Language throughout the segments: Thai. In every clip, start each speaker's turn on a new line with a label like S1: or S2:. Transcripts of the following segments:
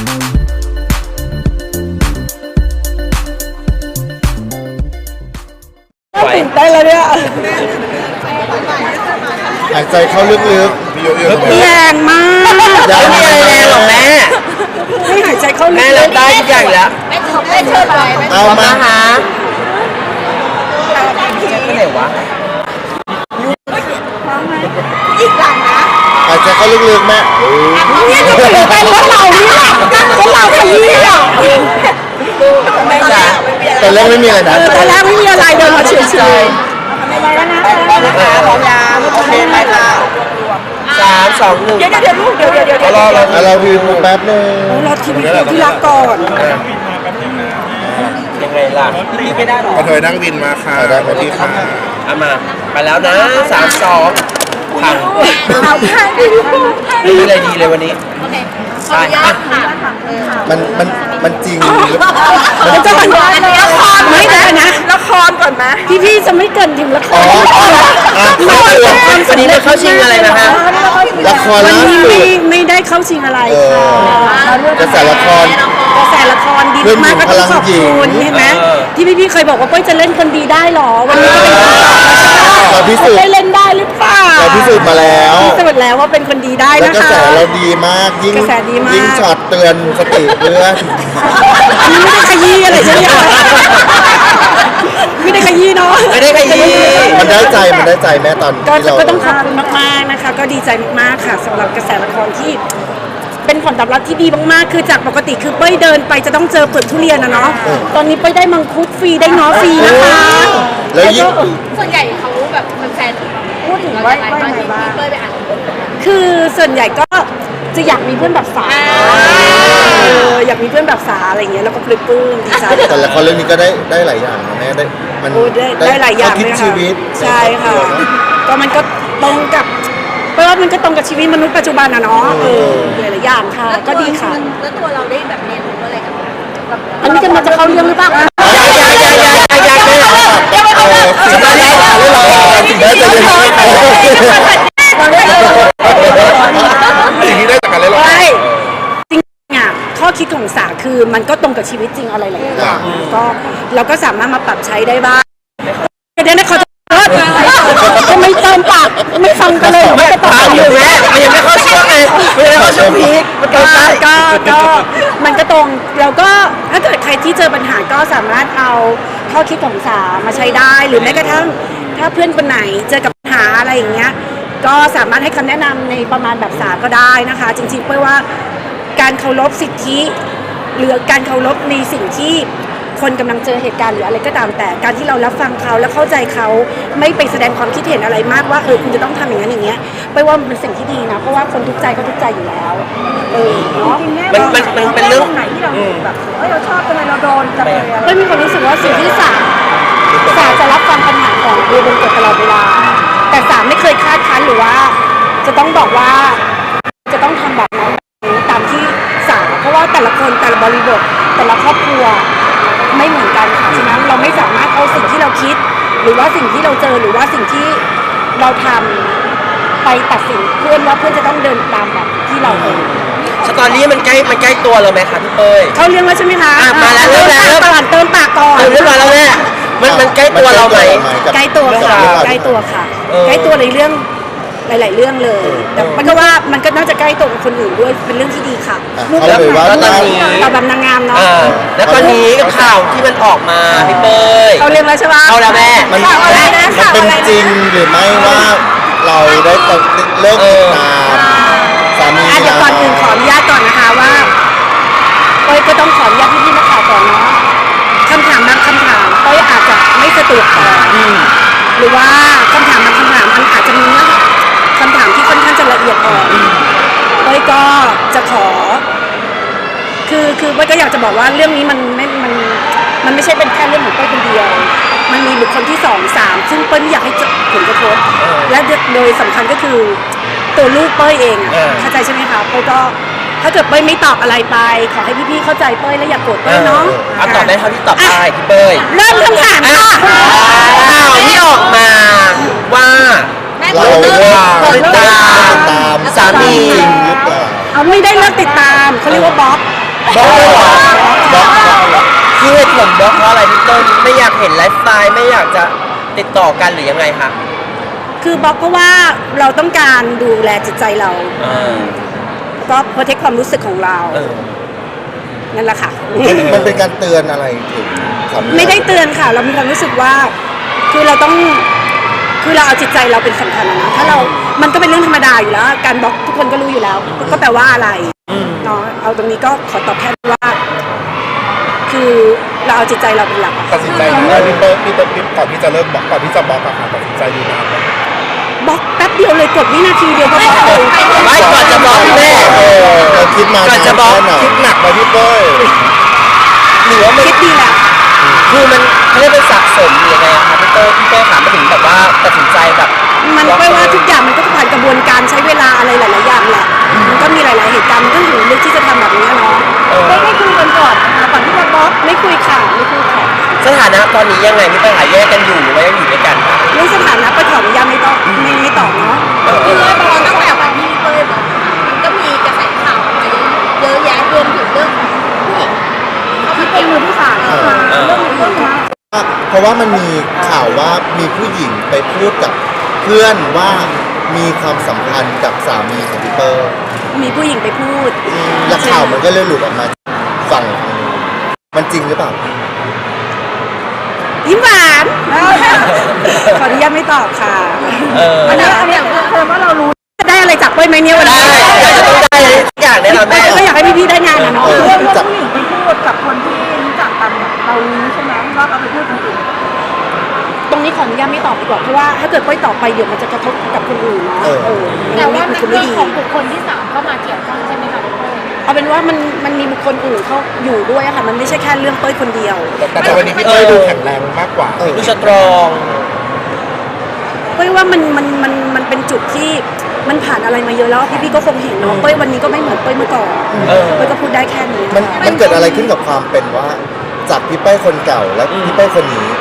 S1: ตื่นเต้นแล้วเนี่ย
S2: หายใจเข้าลึกๆ
S1: แรงมาก
S3: ไม่มีอะไรแรงหรอกแม่
S1: ไม่หายใจเข้าลึก
S3: แม่รับได้ทุกอย่างแล้ว
S4: ไม่เชิญไป
S2: เอามา
S3: หาไปไหนวะ
S4: อีกหลังนะ
S2: หายใจเข้าลึกๆแม่
S1: เนี่ยจะตื่นเต้นว่าเรานี่แหละก็เราขยี้อ่ะ
S3: ไม่จ้ะ
S2: แต่เรื่องไม่มีอะไรนะ
S1: ตอนแรกไม่มีอะไรเดินมาเฉย
S3: ไปแล้วนะพร้อมยาโอเคไปค่ะ3 2 1
S1: ๆเดี๋ยวลูกเดี๋ยว
S2: เราพิมพ์แป๊บนึง
S1: เราทีวีที่รักก่อน
S3: ยังไงล่ะรีบไม่ได้หรอก
S2: ระเทยนั่งวินมาค่ะสวัสดีค่ะ
S3: เอามาไปแล้วนะ3 2พังไม่มีอะไรดีเลยวันนี้
S4: โอเคขออนุญาตค่ะ
S2: มันจริง
S1: มันจะเป็นละครไม่ได้นะละครก่อนไหมพี่จะไม่เกินถึงละคร
S3: วันนี้ได้เข้าชิงอะไรนะฮะ
S2: ละคร
S1: วัน
S2: ล่า
S1: นี้
S2: สุด
S1: ไม่ได้เข้าชิงอะไรค่ะ
S2: กระแสละคร
S1: ดีมากก็ต้องขอบคุณเห็นไหมที่พี่เคยบอกว่าเป้ยจะเล่นคนดีได้หรอวันนี้ก็เป็น
S2: เราพิสูจน์
S1: ได้เล่นได้หรือเปล่า
S2: เราพิสูจน์มาแล้ว
S1: ว่าเป็นคนดีได้นะคะ
S2: กระแสเราดีมากยิ่งช็อตเตือนสติเพื่อน
S1: ไม่ได้ขยี้อะไรใช่ไหมไม่ได้ขยี้เนาะ
S3: ไม่ได้ขยี้
S2: มันได้ใจแม่ตอนที่เรา
S1: ก็ต้องขอบคุณมากๆนะคะก็ดีใจมากๆค่ะสำหรับกระแสละครที่เป็นผลตอบรับที่ดีมากๆคือจากปกติคือเป้ยเดินไปจะต้องเจอเปลือกทุเรียนนะเนาะตอนนี้เป้ยได้มังคุดฟรีได้ง้อฟรีนะคะ
S2: แล้วยิ่ง
S4: ส่วนใหญ่เขาแบบแฟนพูดถึงว่าพี่เป้ยไปอ่าน
S1: คือส่วนใหญ่ก็จะอยากมีเพื่อนแบบสาอยากมีเพื่อนแบบสาอะไรอย่างเงี้ยแล้วก็ปลื้มดีใจ
S2: แต่ละครเรื่องนี้ก็ได้หลายอย่างนะแม่
S1: ได้หลายอย่าง
S2: คิดชีวิต
S1: ใช่ค่ะก็มันก็ตรงกับเพราะว่ามันก็ตรงกับชีวิตมนุษย์ปัจจุบันนะเนาะหลายอย่างค่ะก็ดีค่ะ
S4: แล้วตัวเราได้แบบเรียนรู้อะไรกับ
S1: อันนี้จะเข้าเรื่องหรือเปล่า
S2: สิ่งได้จะยังสิ่งที่ได้จากการเล่นละคร
S1: จริงอ่ะข้อคิดของสาคือมันก็ตรงกับชีวิตจริงอะไรหลายอย่างก็เราก็สามารถมาปรับใช้ได้บ้างเดี๋ยวนะเขาจะไม่เติมปากไม่ฟังกันเลย
S3: ไม่ตอบอยู่แม่ยังไม่เข้าช่วงไงไม่ได้เข้าช่วงพีคมันก็
S1: มันก็ตรงแล้วก็ถ้าเกิดใครที่เจอปัญหาก็สามารถเอาข้อคิดของสามาใช้ได้หรือแม้กระทั่งถ้าเพื่อนคนไหนเจอกับปัญหาอะไรอย่างเงี้ยก็สามารถให้คำแนะนำในประมาณแบบสาก็ได้นะคะจริงๆเป้ยว่าการเคารพสิทธิหรือการเคารพในสิ่งที่คนกำลังเจอเหตุการณ์หรืออะไรก็ตามแต่การที่เรารับฟังเขาและเข้าใจเขาไม่ไปแสดงความคิดเห็นอะไรมากว่าคุณจะต้องทำอย่างนั้นอย่างเงี้ยเป้ยว่ามันเป็นสิ่งที่ดีนะเพราะว่าคนทุกใจก็ทุกใจอยู่แล้วเนาะ
S3: มันเป็นเรื่อง
S1: ไหนที่เราแบบเราชอบทำไมเราโดนจะเป้ยมีความรู้สึกว่าสิ่งที่สาจะรับฟังปัญหาของเรื่องบนกฎตลอดเวลาแต่สาไม่เคยคาดคั้นหรือว่าจะต้องบอกว่าจะต้องทำแบบนั้นตามที่สาเพราะว่าแต่ละคนแต่ละบริบทแต่ละครอบครัวไม่เหมือนกันค่ะฉะนั้นเราไม่สามารถเอาสิ่งที่เราคิดหรือว่าสิ่งที่เราเจอหรือว่าสิ่งที่เราทำไปตัดสินเพื่อนว่าเพื่อนจะต้องเดินตามแบบที่เราเอง
S3: สตอรี่มันใกล้ตัวเราไหมคะพี่เป้ย
S1: เขาเรียกว่าใช่ไหมคะ
S3: มาแล้วเ
S1: ติมปากก่อน
S3: เรื่องมาแล้วแม่มันใกล้ตัวเราไหม
S1: ใกล้ตัวค่ะใกล้ตัวค่ะใกล้ตัวในเรื่องหลายๆเรื่องเลยแต่มันก็ว่ามันก็น่าจะใกล้ตัวกับคนอื่นด้วยเป็นเรื่องที่ดีค่ะ
S2: แล้ว
S3: ตอนนี้
S1: เราแบบนางงามเนาะ
S3: แล้วตอนนี้กับข่าวที่มันออกมาพี่เป้ย
S1: เขาเรียกแล้วใช่ไหม
S3: เอาแล้วแม่
S2: มันเป็นจริงหรือไม่ว่าเราได้เลิกติดตามสามี
S1: เดี๋ยวก่อนอื่นขออนุญาตก่อนนะคะว่าเป้ยก็ต้องขออนุญาตพี่ๆนักข่าวก่อนเนาะคำถามบางคำถามเป้ยอาจจะไม่สะดวกตอบหรือว่าคำถามบางคำถามมันอาจจะมีเนื้อคำถามที่ค่อนข้างจะละเอียดอ่อนเป้ยก็จะขอคือเป้ยก็อยากจะบอกว่าเรื่องนี้มันไม่ใช่เป็นแค่เรื่องของเป้ยคนเดียวมันมีบุคคลที่2 3ซึ่งเป้ยไม่อยากให้ผลกระทบและโดยสำคัญก็คือตัวลูกเป้ยเองเข้าใจใช่ไหมคะเป้ยก็ถ้าเกิดเป้ยไม่ตอบอะไรไปขอให้พี่ๆเข้าใจเป้ยและอย่าโกรธเป้ยเนาะ
S3: ตอบได้เท่าที่ตอบได้พี่เป้ย
S1: เริ่มคำถามค่ะ
S3: ข่าวที่ออกมาว่า
S2: เรา
S3: ติดตามสามี
S1: เอาไม่ได้เลิกติดตามเขาเรียกว่าบล็อก
S3: บล็อกเลยเหรอบ
S2: ล็อกบล็อก
S3: คือเหตุผลบล็อกเพราะอะไรพี่เต้ยไม่อยากเห็นไลฟ์สไตล์ไม่อยากจะติดต่อกันหรือยังไงคะ
S1: คือบล็อกเพราะว่าเราต้องการดูแลจิตใจเรา
S3: เออ
S1: ก็โปรเทคความรู้สึกของเรา
S3: เออ
S1: นั่นแหละค่ะ
S2: มันเป็นการเตือนอะไรถึงสามี
S1: ไม่ได้เตือนค่ะ เรามีความรู้สึกว่า คือเราต้องคือเราเอาจิตใจเราเป็นสำคัญนะถ้าเรา มันก็เป็นเรื่องธรรมดาอยู่แล้ว การบล็อกทุกคนก็รู้อยู่แล้ว ก็แปลว่าอะไรเนาะเอาตรงนี้ก็ขอตอบแทนว่า คือเราเอาจิตใจเราเป็นหลักอะ
S5: ตัดสินใจนะพี่เปิ้ลก่อนที่จะเริ่มบอกก่อนที่จะบอกอะค่ะตัดสินใจอยู่นานไหม
S1: บล็อกแป๊บเดียวเลยกดวินาทีเดียวก็บล็อกเลย
S3: ไม่ก่อนจะบล็อกแม่
S2: เราคิดมา
S3: ก่อนจะบล็อก
S2: แค่ไหน
S5: คิดหนักไหมพี่เปิ้ล
S3: หรือว่ามัน
S1: คิดดีแหละ
S3: คือมันไม่ได้เป็นสะสมหรือยังไงอะคะพี่เต้ยถามมาถึงแบบว่าตัดสินใจแบบ
S1: มันไม่ว่าทุกอย่างมันก็ผ่านกระบวนการใช้เวลาอะไรหลาย ๆ อย่างแหละ มันก็มีหลาย ๆ เหตุการณ์มันก็ถึงลึกที่จะทำแบบนี้เนาะไม่คุยกันก่อนนะคะก่อนที่จะบล็อกไม่คุยค่ะไม่คุยค่ะ
S3: สถานะตอนนี้ยังไงพี่เต้ยหาแยกกันอยู่หรือว่ายังอยู่ด้วยกันคะ
S1: เรื่องสถานะไปขออนุญาตไม่ต้องไม่ตอบเนาะ
S4: คือพอตั้งแต่วันที่พี่เป้ยบอกมันก็มีกระแสข่าวออกมาเยอะแยะรวมถึงเรื่องของผู้หญิงเขามาเกี่ยวมือที่สามเรื่องนี้
S2: เพราะว่ามันมีข่าวว่ามีผู้หญิงไปพูดกับเพื่อนว่ามีความสัมพันธ์กับสามีของพี่เปิ้ล
S1: มีผู้หญิงไปพูด
S2: และข่าวมันก็เลยหลุดออกมาฝั่งทางนู้นมันจริงหรือเปล่า
S1: ยิ้มหวานขออนุญาตไม่ตอบค่ะ อันนี้แสดงว่าเรารู้ได้อะไรจากเป้ยไหมเนี่ยวัน
S3: ได้
S1: นี้
S3: ได้จะต้องได้อะไรทุกอย่างแน่นอนแม่
S1: ก็อยากให้พี่ๆได้งานนะเนาะ
S2: เรื่องจับ
S1: ผู้หญิงไปพูดกับคนที่รู้จักกันเรารู้ใช่ไหมว่าเขาไปพูดคนอื่นตรงนี้ขออนุญาตไม่ตอบดีกว่าเพราะว่าถ้าเกิดเป้ยตอบไปเดี๋ยวมันจะกระทบกับคนอื่นเนาะ
S4: แต่ว่า
S1: มัน
S4: มัน
S1: คือไม่
S4: เรื่อง
S1: ดี
S4: ของบุคคลที่สามเข้ามาเกี่ยวข้องใช่ไหมคะพี่เป้ย
S1: เอาเป็นว่ามันมีบุคคลอื่นเขาอยู่ด้วยอะค่ะมันไม่ใช่แค่เรื่องเป้ยคนเดียว
S5: แต่วันนี้พี่เปิ้ลดูแข็งแรงมากกว่า
S3: ดูสตรอง
S1: เป้ยว่ามันเป็นจุดที่มันผ่านอะไรมาเยอะแล้วพี่ๆก็คงเห็นเนาะเป้ยวันนี้ก็ไม่เหมือนเป้ยเมื่อก่อนเป้ยก็พูดได้แค่นี้
S2: มันเกิดอะไรขึ้นกับความเป็นว่าจากพี่เป้ลคนเก่าและพี่เป้ลคนนี้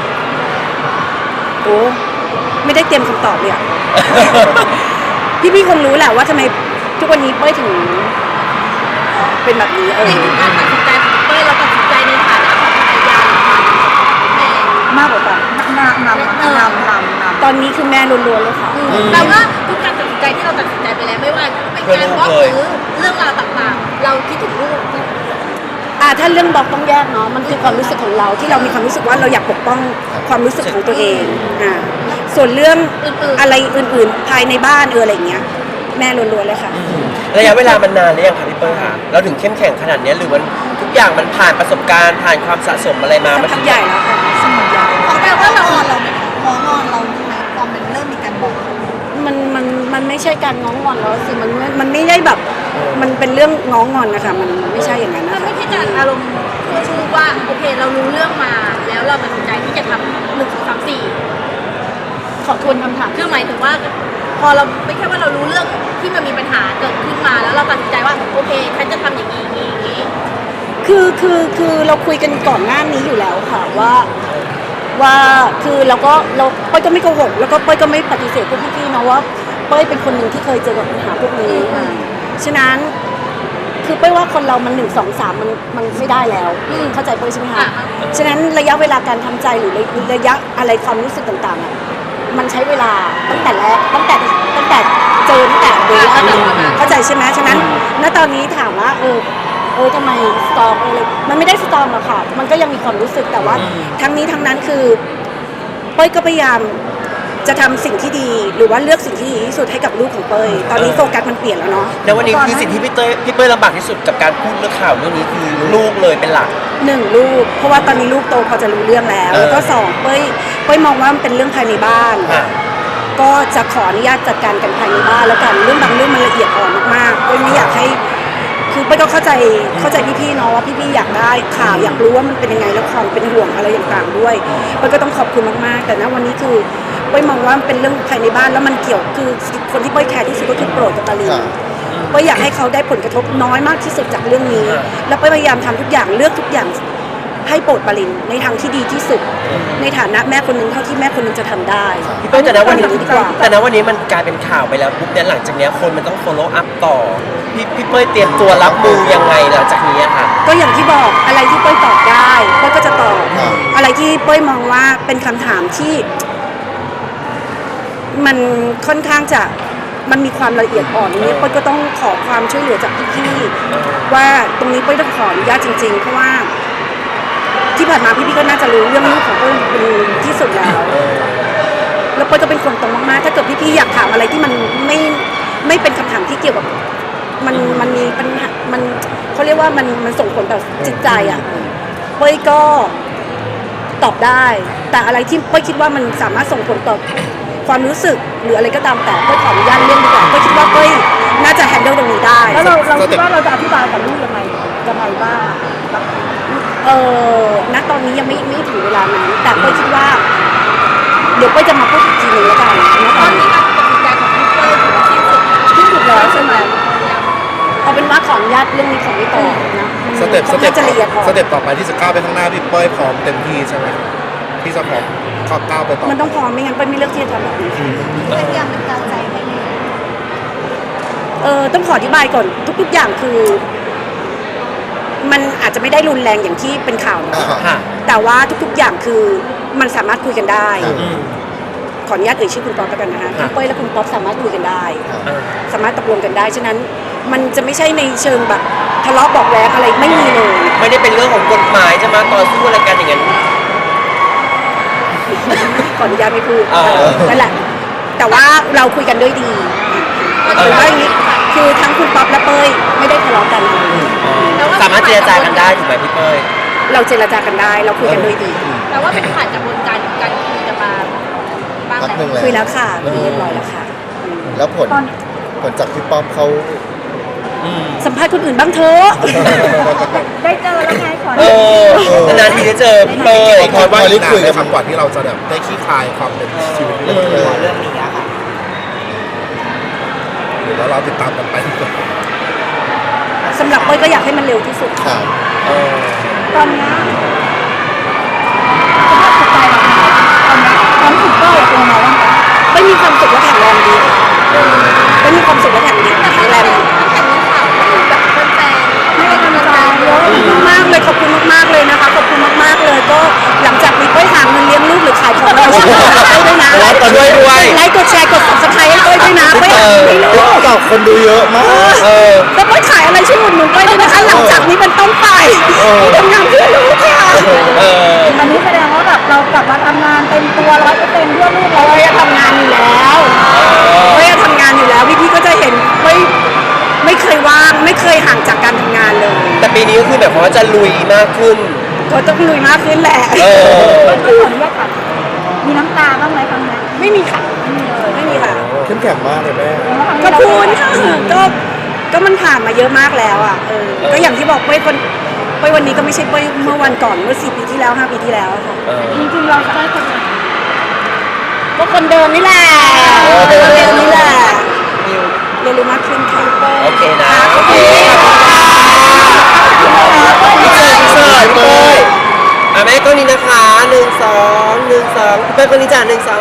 S1: โอ้ไม่ได้เตรียมคำตอบเลยอะ พี่ๆคงรู้แหละว่าทำไมทุกวันนี้เป้ยถึงเป็นแบบนี้
S4: จริงๆการตัดสินใจของพี่เป้ยเราตัดสินใจในฐานะของภรรยาหรือแม่
S1: มากกว่ากันตอนนี้คือแม่ล้วนๆเลยค่ะ
S4: แปลว่าทุกการตัดสินใจที่เราตัดสินใจไปแล้วไม่ว่าเป็นการบล็อกหรือเรื่องราวต่างๆ เราคิดถึงลูก
S1: ถ้าเรื่องบล็อกต้องแยกเนาะมันคือความรู้สึกของเราที่เรามีความรู้สึกว่าเราอยากปกป้องความรู้สึกของตัวเองส่วนเรื่องอะไรอื่นๆภายในบ้านอะไรอย่างเงี้ยแม่ล้วนๆเลยค่ะ
S3: ระยะเวลามันนานหรือยังคะพี่เปิ้ลคะเราถึงเข้มแข็งขนาดนี้หรือมันทุกอย่างมันผ่านประสบการณ์ผ่านความสะสมอะไรมา
S1: สักพักใหญ่แล้วค่ะสักพักใหญ่
S4: ขอแปลว่าเราไหมคะมองเราไหมตอนมันเริ่มมีการบอก
S1: มันไม่ใช่การง้องงอนแล้วสิมันไม่ได้แบบมันเป็นเรื่องง้องงอนนะคะมันไม่ใช่อย่างนั้น
S4: มัน
S1: นะคะ
S4: ไม่ใช่การอารมณ์ชูว่าโอเคเรารู้เรื่องมาแล้วเราตัดสินใจที่จะทำ1 2 3 4
S1: ขอทวนคำถาม
S4: คือหมายถึงว่า พอเราไม่ใช่ว่าเรารู้เรื่องที่มันมีปัญหาเกิดขึ้นมาแล้วเราตัดสินใจว่าโอเคฉันจะทำอย่างนี้อย่างนี้
S1: คือเราคุยกันก่อนหน้านี้อยู่แล้วค่ะว่าคือเราเป้ยก็ไม่โกหกแล้วก็เป้ยก็ไม่ปฏิเสธพวกพี่ๆเนาะว่าเป้ยเป็นคนหนึ่งที่เคยเจอกับปัญหาพวกนี้ฉะนั้นคือเป้ยว่าคนเรามัน1 2 3มันไม่ได้แล้วเข้าใจเป้ยใช่ไหมคะฉะนั้นระยะเวลาการทำใจหรือระยะอะไรความรู้สึกต่างๆอ่ะมันใช้เวลาตั้งแต่แรกตั้งแต่เจอตั้งแต่เด็กเข้าใจใช่ไหมฉะนั้นณตอนนี้ถามว่าทำไมสตรองเลยมันไม่ได้สตรองหรอกค่ะมันก็ยังมีความรู้สึกแต่ว่าทั้งนี้ทั้งนั้นคือเป้ยก็พยายามจะทำสิ่งที่ดีหรือว่าเลือกสิ่งที่ดีที่สุดให้กับลูกของเป้ยตอนนี้โฟกัสมันเปลี่ยนแล้วเนาะ
S3: แล้ววันนี้คือสิ่งที่พี่เป้ยลำบากที่สุดกับการพูดเรื่องข่าวเรื่องนี้คือลูกเลยเป็นหลัก
S1: 1ลูกเพราะว่าตอนนี้ลูกโตพอจะรู้เรื่องแล้วแล้วก็2เป้ยมองว่ามันเป็นเรื่องภายในบ้านก็จะขออนุญาตจัดการกันภายในบ้านแล้วกันเรื่องบางเรื่องมันละเอียดอ่อนมากๆเป้ยไม่อยากให้คือเป้ยก็เข้าใจพี่ๆเนาะว่าพี่ๆอยากได้ข่าวอยากรู้ว่ามันเป็นยังไงแล้วความเป็นห่วงอะไรต่างๆด้วยเป้ยก็ต้องขอบคุณมากๆแต่ณวันนี้คือเป้ยมองว่ามันเป็นเรื่องภายในบ้านแล้วมันเกี่ยวคือคนที่เป้ยแคร์ที่สุดก็คือโปรดกับปาลินเป้ยอยากให้เขาได้ผลกระทบน้อยมากที่สุดจากเรื่องนี้แล้วเป้ยพยายามทำทุกอย่างเลือกทุกอย่างให้โปรดปรินในทางที่ดีที่สุด ในฐานะแม่คนหนึงเท่าที่แม่คนหนึงจะทำได้
S3: พี่เป้ยแต่ณวันนี้
S1: ดีกว่า
S3: แต่ณวันนี้มันกลายเป็นข่าวไปแล้วปุ๊บเนี่ยหลังจากเนี้ยคนมันต้อง follow up ต่อพี่เป้ยเตรียมตัวรับมือยังไงหลังจากนี้อะค่ะ
S1: ก็อย่างที่บอกอะไรที่เป้ยตอบได้เป้ยก็จะตอบ
S2: ครับ
S1: อะไรที่เป้ยมองว่าเป็นคำถามที่ มันค่อนข้างจะมันมีความละเอียดอ่อนนี้เป้ยก็ต้องขอความช่วยเหลือจากพี่ๆว่าตรงนี้เป้ยต้องขออนุญาตจริง ๆ เพราะว่าที่ผ่านมาพี่ๆก็น่าจะรู้เรื่องลูกของเป้ยเป็นที่สุดแล้วแล้วเป้ยก็เป็นคนตรงมากๆถ้าเกิดพี่ๆอยากถามอะไรที่มันไม่เป็นคำถามที่เกี่ยวกับมันมีปัญหามันเขาเรียกว่ามันส่งผลต่อจิตใจอ่ะเป้ยก็ตอบได้ แต่อะไรที่เป้ยคิดว่ามันสามารถส่งผลต่อความรู้สึกหรืออะไรก็ตามแต่เป้ยขออนุญาตเรื่องดีกว่าเป้ยคิดว่าเป้ยน่าจะแฮนเดิลตรงนี้ได้
S4: แล้วเราคิดว่าเราจะอธิบายกับลูกยังไงบ้าง
S1: ณตอนนี้ยังไม่ถึงเวลานั้นแต่เป้ยคิดว่า เดี๋ยวเป้ยจะมาพูดอีกทีหนึงแล้วกันนะ
S4: ต
S1: ต
S4: อ
S1: อน น
S4: นี้
S1: นี้
S4: การตัดสินใจของพี่เป้ยถือว่าสิ้นสุดแล้วใช่ไหม
S1: เอาเป็นว่าขออนุญาตเรื่องนี้ของไม่ต่อนะ
S5: สเต็ป
S1: ค่อนข้างจะละเอียดอ่อน
S5: สเต็ปต่อไปที่จะก้าวไปข้างหน้าพี่เป้ยพร้อมเต็มที่ใช่ไหมที่จะพร้อมก้าวไปต่อ
S1: มันต้องพร้อมไม่งั้นเป้ยไม่เลือกที่จะทำแบบนี้
S4: เป็นอย่างเป็นการใจให้ไหม
S1: ต้องขออธิบายก่อนทุกๆอย่างคือ มันอาจจะไม่ได้รุนแรงอย่างที่เป็นข่าวนะ
S3: ค่ะ
S1: แต่ว่าทุกๆอย่างคือมันสามารถคุยกันได้
S2: ครับ
S1: ขออนุญาตเอ่ยชื่อคุณป๊อปแล้วกันนะคะ
S3: ครั
S1: ทั้
S3: บ
S1: งเป้ยและคุณป๊อปสามารถคุยกันได้
S2: ครับ
S1: สามารถตกลงกันได้ ฉะนั้นมันจะไม่ใช่ในเชิงแบบทะเลาะเบอกแว้งอะไรไม่มีเลย
S3: ไม่ได้เป็นเรื่องของกฎหมายจะมาต่อสู้อะไรกันอย่างนั้น
S1: ขออนุญาตไม่พูด
S3: เออ
S1: นั่นแหละ แต่ว่าเราคุยกันด้วยดีหรือว่าอย่างนี้คือทั้งคุณป๊อปและเป้ยไม่ได้ทะเลาะกันอะไรเลย
S3: สามารถเจรจากันได้ถูกไหมพี่เป้ย
S1: เราเจรจากันได้ เราคุยกันด้วยดี
S4: แปลว่าเป็นผ่านกระบวนการคุยกันมาบ้าง
S2: พักหนึ่ง
S4: แล้ว
S2: แล้ว
S1: คุยแล้วค่ะคุยเรียบร้อยแล้วค่ะ
S2: แล้วผลจากพี่ป้อมเขา
S1: สัมภาษณ์คนอื่นบ้างเถอะ
S4: ได้เจอแล้วไงขอ
S3: เออนานๆทีได้เจอพี่เป้ย
S5: พอว่าอีกนานได้คำกว่าที่เราจะแบบได้ขี้คายความเป็นชีวิตเรื่องนี้
S3: เรื่องนี้อะค่ะ
S5: หรือว่าเราติดตามกันไปดีกว่า
S1: สำหรับเป้ยก็อยากให้มันเร็วที่สุด
S2: ครับ
S4: ตอนนี้สภาพจิตใจเราตอนนี้ความรู้สึกเป้ยเป็นยังไงบ้างคะ
S1: เป้ยมีความสุขและแข็งแรงดีเป้ยมีความสุขและแข็งแรงดีแข็งแรงดี
S4: แข่งข่าวก็คือแบบแฟนๆให้กำลังใจเยอะ
S1: มากเลยขอบคุณมากๆเลยนะคะขอบคุณมากๆเลยก็หลังจากนี้เป้ยหาเงินเลี้ยงลูกหรือขายของเราช่วยด้วยนะ
S3: แล้วก็ด้วย
S1: ไลค์กดแชร์กด subscribe ให้เป้ยด้วยนะเป้ยหาเงินให้ลูก
S2: ตอบคนดูเยอะมาก
S1: แล้วเป้ยขายอะไรช่วยอุดหนุนเป้ยด้วยนะคะหลังจากนี้เป็นต้นไปทำงานเพื่อลูกค่ะ
S4: อันนี้แสดงว่าแบบเรากลับมาทำงานเต็มตัว100%เพื่อลูกเรา
S1: เป้ยทำงานอยู่แล้วเป้ยทำงานอยู่แล้วพี่ๆก็จะเห็นเป้ยไม่เคยว่างไม่เคยห่างจากการทำงานเลย
S3: แต่ปีนี้ก็คือแบบว่าจะลุยมากขึ้น
S1: ก็ต้องลุยมากขึ้นแหละ
S4: ก็ขออนุญาตค่ะมีน้ำตาบ้างไหมครั้งนี้
S1: ไม่มีค่ะไม่มีค่ะ
S2: เข้มแข็งมากเลยแม่
S1: ก็พูดค่ะก็มันผ่านมาเยอะมากแล้วอ่ะก็อย่างที่บอกเป้ยวันนี้ก็ไม่ใช่เป้ยเมื่อวันก่อนเมื่อ4 ปีที่แล้ว5 ปีที่แล้วอะค่ะ
S4: จริงๆเราจะได้คนไหน
S1: ก็คนเดิมนี่แหละเดิมนี่แหละเรียนรู้มากขึ้นค่ะ
S3: โอเคนะ โอเคพี่เจอพี่เป้ยอ่ะแม่ก็นี้นะคะ1 2 1 2พี่เป้ยคนนี้จ้ะ1 2